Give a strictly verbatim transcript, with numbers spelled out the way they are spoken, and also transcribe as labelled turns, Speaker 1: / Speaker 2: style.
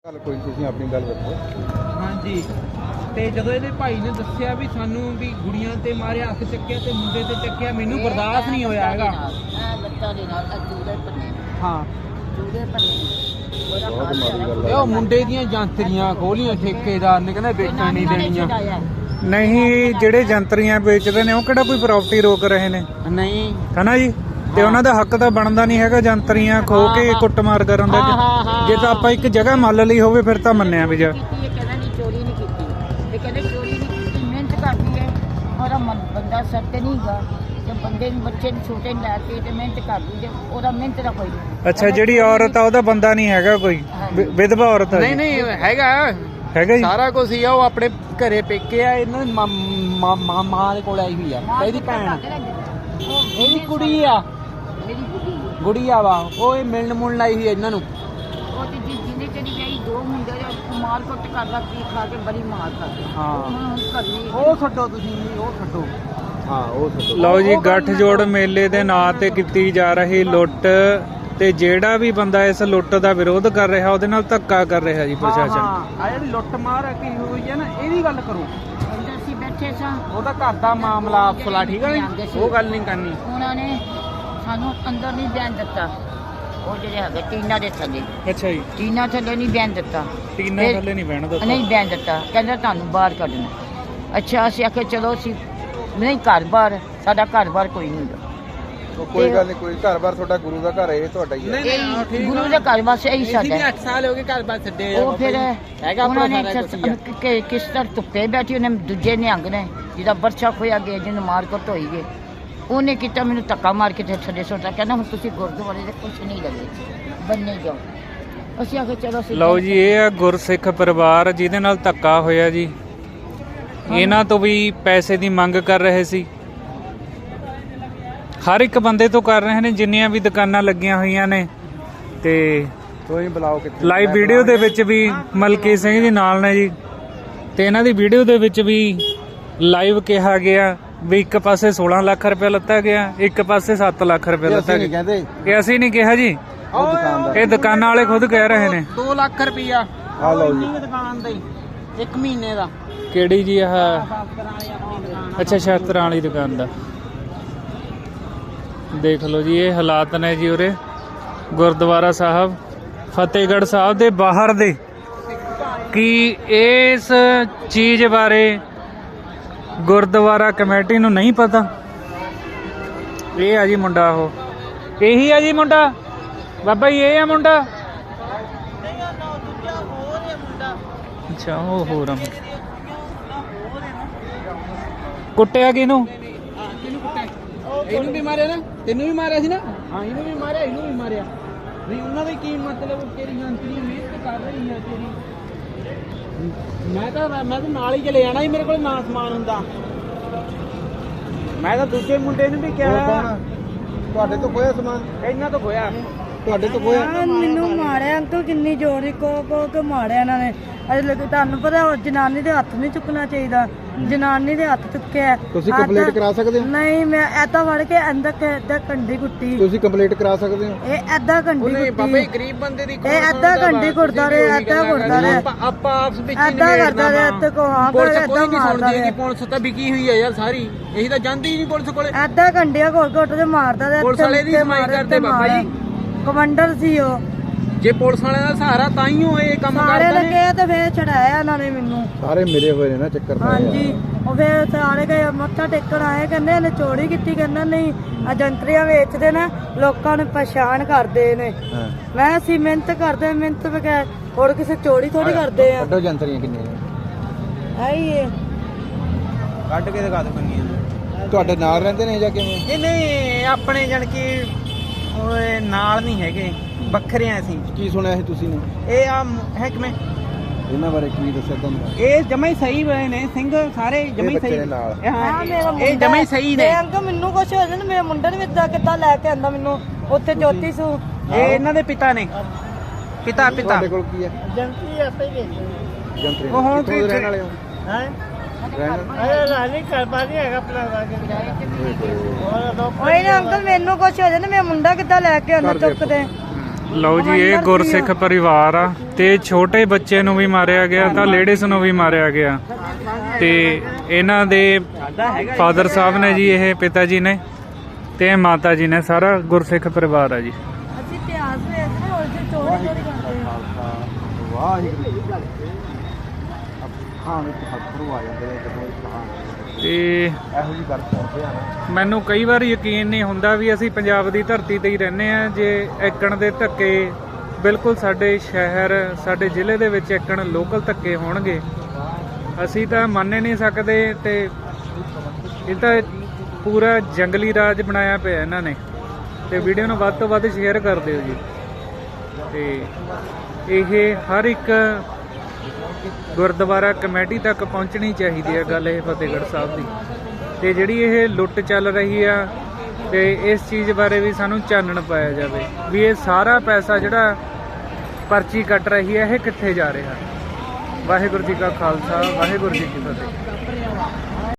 Speaker 1: गल कोई तुसीं अपनी गल रखो।
Speaker 2: हाँ जी। ਤੇ ਜਦੋਂ ਇਹਦੇ ਭਾਈ ਨੇ ਦੱਸਿਆ ਵੀ ਸਾਨੂੰ ਵੀ ਗੁੜੀਆਂ ਤੇ ਮਾਰਿਆ, ਹੱਥ ਚੱਕਿਆ ਤੇ ਮੁੰਡੇ ਤੇ ਚੱਕਿਆ, ਮੈਨੂੰ ਬਰਦਾਸ਼ਤ ਨਹੀਂ ਹੋਇਆ ਹੈਗਾ।
Speaker 3: ਲੱਤਾਂ ਦੇ ਨਾਲ ਜੂੜੇ ਪੰਨੇ
Speaker 2: ਹਾਂ
Speaker 3: ਜੂੜੇ ਪੰਨੇ
Speaker 1: बहुत माड़ी गल
Speaker 2: ਇਹ ਉਹ ਮੁੰਡੇ ਦੀਆਂ ਜਾਂਤਰੀਆਂ ਖੋਲੀਆਂ ਠੇਕੇਦਾਰ ਨੇ, ਕਹਿੰਦਾ ਵੇਚਣ ਨਹੀਂ ਦੇਣੀਆਂ।
Speaker 4: ਨਹੀਂ, ਜਿਹੜੇ ਜੰਤਰੀਆਂ ਵੇਚਦੇ ਨੇ ਉਹ ਕਿਹੜਾ ਕੋਈ ਪ੍ਰਾਪਰਟੀ ਰੋਕ ਰਹੇ ਨੇ?
Speaker 2: ਨਹੀਂ
Speaker 4: ਹਨਾ ਜੀ। ਤੇ ਉਹਨਾਂ ਦਾ ਹੱਕ ਤਾਂ ਬਣਦਾ ਨਹੀਂ ਹੈਗਾ ਜੰਤਰੀਆਂ ਖੋ ਕੇ ਕੁੱਟਮਾਰ ਕਰਨ ਦਾ। ਜੇ ਤਾਂ ਆਪਾਂ ਇੱਕ ਜਗ੍ਹਾ ਮੰਨ ਲਈ ਹੋਵੇ ਫਿਰ ਤਾਂ ਮੰਨਿਆ ਵੀ ਜਾ।
Speaker 3: ਕਹਿੰਦਾ ਨਹੀਂ ਚੋਰੀ ਨਹੀਂ ਕੀਤੀ, ਇਹ ਕਹਿੰਦੇ ਚੋਰੀ ਨਹੀਂ ਕੀਤੀ, ਮਿਹਨਤ ਕਰਦੀ ਹੈ। ਉਹਦਾ ਬੰਦਾ ਸਿਰ ਤੇ ਨਹੀਂ ਗਾ, ਤੇ ਬੰਦੇ ਨੂੰ ਬੱਚੇ ਨੂੰ ਛੋਟੇ ਨੂੰ ਲੈ ਕੇ ਤੇ ਮਿਹਨਤ ਕਰਦੀ ਜੇ ਉਹਦਾ ਮਿਹਨਤ ਦਾ ਕੋਈ ਨਹੀਂ।
Speaker 4: ਅੱਛਾ, ਜਿਹੜੀ ਔਰਤ ਆ ਉਹਦਾ ਬੰਦਾ ਨਹੀਂ ਹੈਗਾ ਕੋਈ, ਵਿ- ਵਿਧਵਾ ਔਰਤ ਆ
Speaker 2: ਨਹੀਂ
Speaker 4: ਜੀ।
Speaker 2: ਨਹੀਂ ਹੈਗਾ
Speaker 4: ਹੈਗਾ ਜੀ।
Speaker 2: ਸਾਰਾ ਕੁਝ ਹੀ ਆ। ਉਹ ਆਪਣੇ ਘਰੇ ਪੇਕੇ ਆ, ਇਹਨਾਂ ਦੀ ਮਾਂ ਮਾਂ ਮਾਂ ਦੇ ਕੋਲ ਆਈ ਹੋਈ ਆ, ਇਹਦੀ ਭੈਣ ਇਹਦੀ ਕੁੜੀ ਆ,
Speaker 3: ਮੇਰੀ ਬੁੱਢੀ
Speaker 2: ਗੁੜੀਆ ਵਾ। ਉਹ ਇਹ ਮਿਲਣ ਮੁਲਣ ਆਈ ਹੋਈ ਆ ਇਹਨਾਂ ਨੂੰ।
Speaker 3: ਉਹ ਤੇ ਜਿ- ਜਿਹਨੇ ਚਲੀ ਗਈ ਦੋ ਮੁੰਡੇ ਦੇ ਮਾਰ ਕੁੱਟ ਕਰਦਾ, ਪੀ ਖਾ ਕੇ ਬੜੀ ਮਾਰ ਕਰਦੇ।
Speaker 2: ਹਾਂ।
Speaker 3: ਹੁਣ ਕਰਨੀ
Speaker 2: ਉਹ ਛੱਡੋ ਤੁਸੀਂ, ਉਹ ਛੱਡੋ।
Speaker 1: हाँ वो सब
Speaker 4: ਲਓ ਜੀ, ਗੱਠਜੋੜ ਮੇਲੇ ਦੇ ਨਾਂ ਤੇ ਕੀਤੀ ਜਾ ਰਹੀ ਲੁੱਟ ਤੇ ਜਿਹੜਾ ਵੀ ਬੰਦਾ ਇਸ ਲੁੱਟ ਦਾ ਵਿਰੋਧ ਕਰ ਰਿਹਾ ਉਹਦੇ ਨਾਲ ਧੱਕਾ ਕਰ ਰਿਹਾ ਜੀ ਪ੍ਰਸ਼ਾਸਨ।
Speaker 2: ਆ ਜਿਹੜੀ ਲੁੱਟ ਮਾਰ ਕੀ ਹੋਈ ਹੈ ਨਾ, ਇਹਦੀ ਗੱਲ ਕਰੋ।
Speaker 3: ਅੰਦਰ ਅਸੀਂ ਬੈਠੇ ਸਾਂ,
Speaker 2: ਉਹਦਾ ਘਰ ਦਾ ਮਾਮਲਾ ਅਫਸਲਾ, ਠੀਕ ਹੈ ਨੀ? ਉਹ ਗੱਲ ਨਹੀਂ ਕਰਨੀ।
Speaker 3: ਉਹਨਾਂ ਨੇ ਸਾਨੂੰ ਅੰਦਰ ਨਹੀਂ ਬਿਆਨ ਦਿੱਤਾ। ਉਹ ਜਿਹੜੇ ਹੈਗੇ ਟੀਨਾ ਦੇ ਥੱਲੇ,
Speaker 4: ਅੱਛਾ ਜੀ।
Speaker 3: ਟੀਨਾ ਥੱਲੇ ਨਹੀਂ ਬਿਆਨ ਦਿੱਤਾ।
Speaker 4: ਟੀਨਾ
Speaker 3: ਫਿਰ-
Speaker 4: ਥੱਲੇ ਨਹੀਂ ਬਹਿਣ ਦਿੱਤਾ।
Speaker 3: ਨਹੀਂ ਬਿਆਨ ਦਿੱਤਾ, ਕਹਿੰਦਾ ਤੁਹਾਨੂੰ ਬਾਹਰ ਕੱਢਣਾ। ਅੱਛਾ, ਅਸੀਂ ਆਖਿਆ ਚਲੋ ਅਸੀਂ ਨਹੀਂ, ਘਰ ਬਾਹਰ ਸਾਡਾ ਘਰ ਬਾਹਰ ਕੋਈ ਨਹੀਂ ਹੁੰਦਾ।
Speaker 1: तो कोई गल नहीं, कोई घर बार थोड़ा गुरु का घर है, ये ਤੁਹਾਡਾ ਹੀ ਹੈ।
Speaker 3: ਇਹ ਗੁਰੂ ਦੇ ਘਰ ਬਸ ਇਹੀ ਸਾਡਾ ਹੈ।
Speaker 2: ਅੱਠ ਸਾਲ ਹੋ ਗਏ ਘਰ ਬਾਰ ਛੱਡੇ ਆ।
Speaker 3: ਉਹ ਫਿਰ
Speaker 2: ਹੈਗਾ
Speaker 3: ਉਹਨਾਂ ਨੇ
Speaker 2: ਸਾਰਾ ਕੁਛ ਹੀ ਆ।
Speaker 3: ਕਿ- ਕਿ- ਕਿਸ ਤਰ੍ਹਾਂ ਧੁੱਪੇ ਬੈਠੀ, ਉਹਨੇ ਦੂਜੇ ਨਿਹੰਗ ਨੇ ਜਿਹਦਾ ਬਰਛਾ ਖੋਇਆ ਗਿਆ, ਜਿਹਨੂੰ ਮਾਰ ਕੁੱਟ ਹੋਈ ਗਏ, ਉਹਨੇ ਕੀਤਾ ਮੈਨੂੰ ਧੱਕਾ ਮਾਰ ਕੇ ਤੇ ਥੱਲੇ ਸੁੱਟਾ। ਕਹਿੰਦਾ ਹੁਣ ਤੁਸੀਂ ਗੁਰਦੁਆਰੇ ਦੇ ਕੁਛ ਨਹੀਂ ਲੱਗੇ, ਬੰਨੇ ਜਾਓ। ਅਸੀਂ ਆਖਿਆ ਚਲੋ ਅਸੀਂ
Speaker 4: ਲਓ ਜੀ, ਇਹ ਆ ਗੁਰਸਿੱਖ ਪਰਿਵਾਰ ਜਿਹਦੇ ਨਾਲ ਧੱਕਾ ਹੋਇਆ ਜੀ। ਇਹਨਾਂ ਤੋਂ ਵੀ ਪੈਸੇ ਦੀ ਮੰਗ ਕਰ ਰਹੇ ਸੀ, ਹਰ ਇੱਕ ਬੰਦੇ ਤੋਂ ਕਰ ਰਹੇ ਨੇ, ਜਿੰਨੀਆਂ ਵੀ ਦੁਕਾਨਾਂ ਲੱਗੀਆਂ ਹੋਈਆਂ ਨੇ। ਤੇ
Speaker 1: ਕੋਈ ਬੁਲਾਓ ਕਿੱਥੇ
Speaker 4: ਲਾਈਵ ਵੀਡੀਓ ਦੇ ਵਿੱਚ ਵੀ ਮਲਕੀ ਸਿੰਘ ਜੀ ਨਾਲ ਨੇ ਜੀ, ਤੇ ਇਹਨਾਂ ਦੀ ਵੀਡੀਓ ਦੇ ਵਿੱਚ ਵੀ ਲਾਈਵ ਕਿਹਾ ਗਿਆ ਵੀ ਇੱਕ ਪਾਸੇ ਸੋਲਾਂ ਲੱਖ ਰੁਪਏ ਲੱਤਾ ਗਿਆ, ਇੱਕ ਪਾਸੇ ਸੱਤ ਲੱਖ ਰੁਪਏ ਲੱਤਾ
Speaker 1: ਨਹੀਂ
Speaker 4: ਗਿਆ।
Speaker 1: ਕਹਿੰਦੇ
Speaker 4: ਇਹ ਅਸੀਂ ਨਹੀਂ ਕਿਹਾ ਜੀ,
Speaker 1: ਉਹ ਦੁਕਾਨਦਾਰ
Speaker 4: ਇਹ ਦੁਕਾਨਾਂ ਵਾਲੇ ਖੁਦ ਕਹਿ ਰਹੇ ਨੇ।
Speaker 2: ਦੋ ਲੱਖ ਰੁਪਈਆ
Speaker 1: ਆ ਲਓ ਜੀ।
Speaker 2: ਦੁਕਾਨ ਦਾ ਹੀ ਇੱਕ ਮਹੀਨੇ ਦਾ।
Speaker 4: ਕਿਹੜੀ ਜੀ? ਆਹ
Speaker 2: ਸਾਫ਼ ਕਰਾਂ ਵਾਲੀ ਆਪਣੀ ਦੁਕਾਨ।
Speaker 4: ਅੱਛਾ, ਸ਼ਾਸਤਰਾਂ ਵਾਲੀ ਦੁਕਾਨ ਦਾ। ਦੇਖ ਲਓ ਜੀ, ਇਹ ਹਾਲਾਤ ਨੇ ਜੀ ਉਰੇ ਗੁਰਦੁਆਰਾ ਸਾਹਿਬ ਫਤਿਹਗੜ੍ਹ ਸਾਹਿਬ ਦੇ ਬਾਹਰ ਦੇ। ਕੀ ਇਸ ਚੀਜ਼ ਬਾਰੇ ਗੁਰਦੁਆਰਾ ਕਮੇਟੀ ਨੂੰ ਨਹੀਂ ਪਤਾ? ਇਹ ਆ ਜੀ ਮੁੰਡਾ, ਉਹ ਇਹੀ ਆ ਜੀ ਮੁੰਡਾ, ਬਾਬਾ ਜੀ ਇਹ ਆ ਮੁੰਡਾ। ਅੱਛਾ, ਉਹ ਹੋਰ ਆ। ਕੁੱਟਿਆ ਕਿਹਨੂੰ?
Speaker 2: ਇਹਨੂੰ ਵੀ ਮਾਰਿਆ ਨਾ, ਤੈਨੂੰ ਵੀ ਮਾਰਿਆ ਸੀ ਨਾ? ਹਾਂ, ਇਹਨੂੰ ਵੀ ਮਾਰਿਆ, ਇਹਨੂੰ ਵੀ ਮਾਰਿਆ। ਨਹੀਂ ਉਹਨਾਂ ਦਾ ਕੀ ਮਤਲਬ? ਤੇਰੀ ਜੰਤਰੀ ਮਿਹਨਤ ਕਰ ਰਹੀ ਹੈ ਤੇਰੀ। ਮੈਂ ਤਾਂ ਮੈਂ ਤਾਂ ਨਾਲ ਹੀ ਚਲੇ ਜਾਣਾ ਸੀ, ਮੇਰੇ ਕੋਲ ਨਾ ਸਮਾਨ ਹੁੰਦਾ। ਮੈਂ ਤਾਂ ਦੂਜੇ ਮੁੰਡੇ ਨੂੰ ਵੀ
Speaker 1: ਹੋਰ
Speaker 2: ਕਿਹਾ,
Speaker 1: ਕੌਣ? ਤੁਹਾਡੇ ਤੋਂ ਖੋਇਆ ਸਮਾਨ?
Speaker 2: ਇਹਨਾਂ ਤੋਂ ਖੋਇਆ।
Speaker 1: ਤੁਹਾਡੇ ਤੋਂ ਖੋਇਆ?
Speaker 5: ਮੈਨੂੰ ਮਾਰਿਆ ਅੰਕਲ, ਕਿੰਨੀ ਜ਼ੋਰੀ ਕੋ ਕੋ ਕੇ ਮਾਰਿਆ ਇਹਨਾਂ ਨੇ। ਅਜੇ ਲੱਗੇ ਤੁਹਾਨੂੰ ਪਤਾ, ਉਹ ਜਨਾਨੀ ਦੇ ਹੱਥ ਨਹੀਂ ਚੁੱਕਣਾ ਚਾਹੀਦਾ, ਜਨਾਨੀ ਦੇ ਹੱਥ ਚੁੱਕਿਆ।
Speaker 1: ਤੁਸੀਂ
Speaker 5: ਆਹ
Speaker 1: ਕੰਪਲੀਟ
Speaker 5: ਤਾਂ-
Speaker 1: ਕਰਾ ਸਕਦੇ ਹੋ?
Speaker 5: ਨਹੀਂ, ਮੈਂ ਐਦਾਂ ਵੜ ਕੇ ਅੰਦਰ ਐਦਾਂ ਕੰਡੀ ਕੁੱਟੀ।
Speaker 1: ਤੁਸੀਂ ਕੰਪਲੀਟ ਕਰਾ ਸਕਦੇ ਹੋ?
Speaker 5: ਇਹ ਐਦਾਂ ਕੰਡੀ
Speaker 2: ਉਹਨੇ ਬਾਬਾ ਜੀ
Speaker 5: ਕੁੱਟੀ,
Speaker 2: ਗਰੀਬ ਬੰਦੇ ਦੀ
Speaker 5: ਇਹ ਏਦਾਂ ਘੰਟੀ ਘੁੱਟਦਾ ਰਿਹਾ, ਏਦਾਂ ਘੁੱਟਦਾ ਰਿਹਾ।
Speaker 2: ਆਪਾਂ ਆਪਾਂ ਆਪਸ ਵਿੱਚ ਹੀ
Speaker 5: ਏਦਾਂ
Speaker 2: ਨਿਬੇੜਨਾ
Speaker 5: ਕਰਦਾ ਰਿਹਾ,
Speaker 2: ਵਾ।
Speaker 5: ਇੱਥੇ ਕੋ ਹਾਂ
Speaker 2: ਪੁਲਿਸ
Speaker 5: ਕਰ,
Speaker 2: ਕੋਈ
Speaker 5: ਏਦਾਂ
Speaker 2: ਨਹੀਂ
Speaker 5: ਮਾਰਦਾ
Speaker 2: ਸੁਣਦੀ ਹੈਗੀ,
Speaker 5: ਰਿਹਾ।
Speaker 2: ਪੁਲਿਸ ਤਾਂ ਵਿਕੀ ਹੋਈ ਹੈ ਯਾਰ ਸਾਰੀ। ਇਹੀ ਤਾਂ ਜਾਂਦੀ ਹੀ ਨਹੀਂ ਪੁਲਿਸ ਕੋਲੇ।
Speaker 5: ਐਦਾਂ ਕੰਡੀਆਂ ਘੁੱਟ ਘੁੱਟ ਕੇ ਮਾਰਦਾ ਰਿਹਾ।
Speaker 2: ਪੁਲਿਸ ਵਾਲੇ ਦੀ ਸਮਾਈ ਕਰਦੇ ਬਾਬਾ ਜੀ।
Speaker 5: ਕਮਾਂਡਰ ਸੀ ਉਹ।
Speaker 2: ਜੇ ਪੁਲਿਸ ਵਾਲਿਆਂ ਦਾ ਸਹਾਰਾ ਤਾਂ ਹੀ ਉਹ ਇਹ ਕੰਮ
Speaker 5: ਸਾਰੇ
Speaker 2: ਕਰਦੇ ਨੇ।
Speaker 5: ਲੱਗੇ ਤੇ ਫੇਰ ਛਡਾਇਆ ਇਹਨਾਂ ਨੇ ਮੈਨੂੰ।
Speaker 1: ਸਾਰੇ ਮਿਲੇ ਹੋਏ ਨੇ ਨਾ ਚੱਕਰ ਪਏ ਆ।
Speaker 5: ਹਾਂਜੀ, ਉਹ ਫਿਰ ਸਾਰੇ ਗਏ ਮੱਥਾ ਟੇਕਣ ਆਏ, ਕਹਿੰਦੇ ਇਹਨੇ ਚੋਰੀ ਕੀਤੀ। ਕਹਿੰਦਾ ਨਹੀਂ, ਏਜੰਟਰੀਆਂ ਵੇਚਦੇ ਨਾ, ਲੋਕਾਂ ਨੂੰ ਪਛਾਣ ਕਰਦੇ ਨੇ।
Speaker 1: ਹਾਂ।
Speaker 5: ਮੈਂ ਅਸੀਂ ਮਿਹਨਤ ਕਰਦੇ, ਮਿਹਨਤ ਬਗੈਰ ਹੋਰ ਕਿਸੇ ਚੋਰੀ ਥੋੜੀ ਕਰਦੇ ਆ।
Speaker 1: ਕੱਢੋ ਜੰਤਰੀਆਂ ਕਿੰਨੀਆਂ ਨੇ?
Speaker 5: ਆਈ ਇਹ
Speaker 2: ਕੱਢ ਕੇ ਦਿਖਾ ਦੋ ਕੰਨੀਆਂ।
Speaker 1: ਤੁਹਾਡੇ ਨਾਲ ਰਹਿੰਦੇ ਨੇ ਜਾਂ ਕਿਵੇਂ?
Speaker 2: ਇਹ ਨਹੀਂ ਆਪਣੇ ਜਣ ਕੀ ਓਏ ਨਾਲ ਨਹੀਂ ਹੈਗੇ, ਵੱਖਰੇ ਆ ਅਸੀਂ।
Speaker 1: ਕੀ ਸੁਣਿਆ ਸੀ ਤੁਸੀਂ ਨੇ
Speaker 2: ਇਹ ਆ ਹੈ ਕਿਵੇਂ?
Speaker 1: ਇਹਨਾਂ ਬਾਰੇ ਕੀ ਦੱਸਿਆ ਤੁਹਾਨੂੰ?
Speaker 2: ਇਹ ਜਮਾ ਹੀ ਸਹੀ ਬਣੇ ਨੇ ਸਿੰਘ, ਸਾਰੇ ਜਮਾ ਹੀ
Speaker 1: ਬੱਚੇ
Speaker 2: ਸਹੀ।
Speaker 1: ਦੇ ਨਾਲ।
Speaker 2: ਇਹ ਹਾਂ,
Speaker 5: ਆ ਮੇਰਾ ਮੁੰਡਾ
Speaker 2: ਇਹ ਜਮਾ ਹੀ ਸਹੀ ਨੇ।
Speaker 5: ਇਹ ਅੰਕਲ ਮੈਨੂੰ ਕੁਛ ਹੋ ਜਾਣਾ, ਮੇਰੇ ਮੁੰਡੇ ਨੂੰ ਵੀ ਏਦਾਂ ਕਿੱਦਾਂ ਲੈ ਕੇ ਆਂਦਾ ਮੈਨੂੰ ਉੱਥੇ ਜੋਤੀ ਸੂ।
Speaker 2: ਇਹ ਇਹਨਾਂ ਦੇ ਪਿਤਾ ਨੇ, ਪਿਤਾ ਪਿਤਾ।
Speaker 1: ਤੁਹਾਡੇ ਕੋਲ ਕੀ ਹੈ?
Speaker 5: ਏਜੰਟਰੀ ਆਪੇ ਹੀ ਵੇਚਦੇ
Speaker 1: ਜੰਤਰੀ
Speaker 2: ਉਹ ਹੁਣ
Speaker 1: ਕਿੱਥੋਂ ਦੇ ਰਹਿਣ ਵਾਲੇ ਹੋ?
Speaker 5: ਹੈ।
Speaker 1: ਰਹਿਣ
Speaker 5: ਅਰੇ ਰਾਣੀ ਘਰ ਬਾਰੀ ਹੈਗਾ ਆਪਣਾ। ਓਏ ਨਾ ਅੰਕਲ, ਮੈਨੂੰ ਕੁਛ ਹੋ ਜਾਣਾ, ਮੇਰਾ ਮੁੰਡਾ ਕਿੱਦਾਂ ਲੈ ਕੇ ਆਂਦਾ
Speaker 1: ਘਰ ਦੇ
Speaker 5: ਚੁੱਕਦੇ।
Speaker 4: ਲਓ ਜੀ, ਇਹ ਗੁਰਸਿੱਖ ਪਰਿਵਾਰ ਆ ਤੇ ਛੋਟੇ ਬੱਚੇ ਨੂੰ ਵੀ ਮਾਰਿਆ ਗਿਆ ਤਾਂ ਲੇਡੀਜ਼ ਨੂੰ ਵੀ ਮਾਰਿਆ ਗਿਆ ਤੇ ਇਹਨਾਂ ਦੇ ਫਾਦਰ ਸਾਹਿਬ ਨੇ ਜੀ, ਇਹ ਪਿਤਾ ਜੀ ਨੇ ਤੇ ਮਾਤਾ ਜੀ ਨੇ, ਸਾਰਾ ਗੁਰਸਿੱਖ ਪਰਿਵਾਰ ਆ ਜੀ।
Speaker 5: ਅਸੀਂ ਇਤਿਹਾਸ ਵੇਖਦੇ ਹਾਂ, ਉਸੇ ਚੋਰੀ ਚੋਰੀ ਕਰਦੇ ਹਾਂ।
Speaker 1: ਵਾਹਿਗੁਰੂ ਅੱਖਾਂ ਵਿੱਚ ਹੱਥਰੂ ਆ ਜਾਂਦੇ ਨੇ ਜਦੋਂ ਇਤਿਹਾਸ
Speaker 4: ਤੇ
Speaker 1: ਇਹੋ ਜਿਹੀ ਗੱਲ ਕਰਦੇ ਆ ਨਾ,
Speaker 4: ਮੈਨੂੰ ਕਈ ਵਾਰ ਯਕੀਨ ਨਹੀਂ ਹੁੰਦਾ ਵੀ ਅਸੀਂ ਪੰਜਾਬ ਦੀ ਧਰਤੀ ਤੇ ਹੀ ਰਹਿੰਦੇ ਆ। ਜੇ ਏਕਣ ਦੇ ਧੱਕੇ ਬਿਲਕੁਲ ਸਾਡੇ ਸ਼ਹਿਰ, ਸਾਡੇ ਜ਼ਿਲ੍ਹੇ ਦੇ ਵਿੱਚ ਏਕਣ ਲੋਕਲ ਧੱਕੇ ਹੋਣਗੇ, ਅਸੀਂ ਤਾਂ ਮੰਨ ਹੀ ਨਹੀਂ ਸਕਦੇ। ਤੇ ਇਹ ਤਾਂ ਪੂਰਾ ਜੰਗਲੀ ਰਾਜ ਬਣਾਇਆ ਪਿਆ ਇਹਨਾਂ ਨੇ। ਤੇ ਵੀਡੀਓ ਨੂੰ ਵੱਧ ਤੋਂ ਵੱਧ ਸ਼ੇਅਰ ਕਰ ਦਿਓ ਜੀ। ਤੇ ਇਹ ਹਰ ਇੱਕ ਗੁਰਦੁਆਰਾ ਕਮੇਟੀ ਤੱਕ ਪਹੁੰਚਣੀ ਚਾਹੀਦੀ ਹੈ ਗੱਲ ਇਹ ਫਤਿਹਗੜ੍ਹ ਸਾਹਿਬ ਦੀ। ਤੇ ਜਿਹੜੀ ਇਹ ਲੁੱਟ ਚੱਲ ਰਹੀ ਆ ਤੇ ਇਸ ਚੀਜ਼ ਬਾਰੇ ਵੀ ਸਾਨੂੰ ਚਾਨਣ ਪਾਇਆ ਜਾਵੇ ਵੀ ਇਹ ਸਾਰਾ ਪੈਸਾ ਜਿਹੜਾ ਪਰਚੀ ਕੱਟ ਰਹੀ ਹੈ ਇਹ ਕਿੱਥੇ ਜਾ ਰਿਹਾ। ਵਾਹਿਗੁਰੂ ਜੀ ਕਾ ਖਾਲਸਾ, ਵਾਹਿਗੁਰੂ ਜੀ ਕੀ ਫਤਿਹ।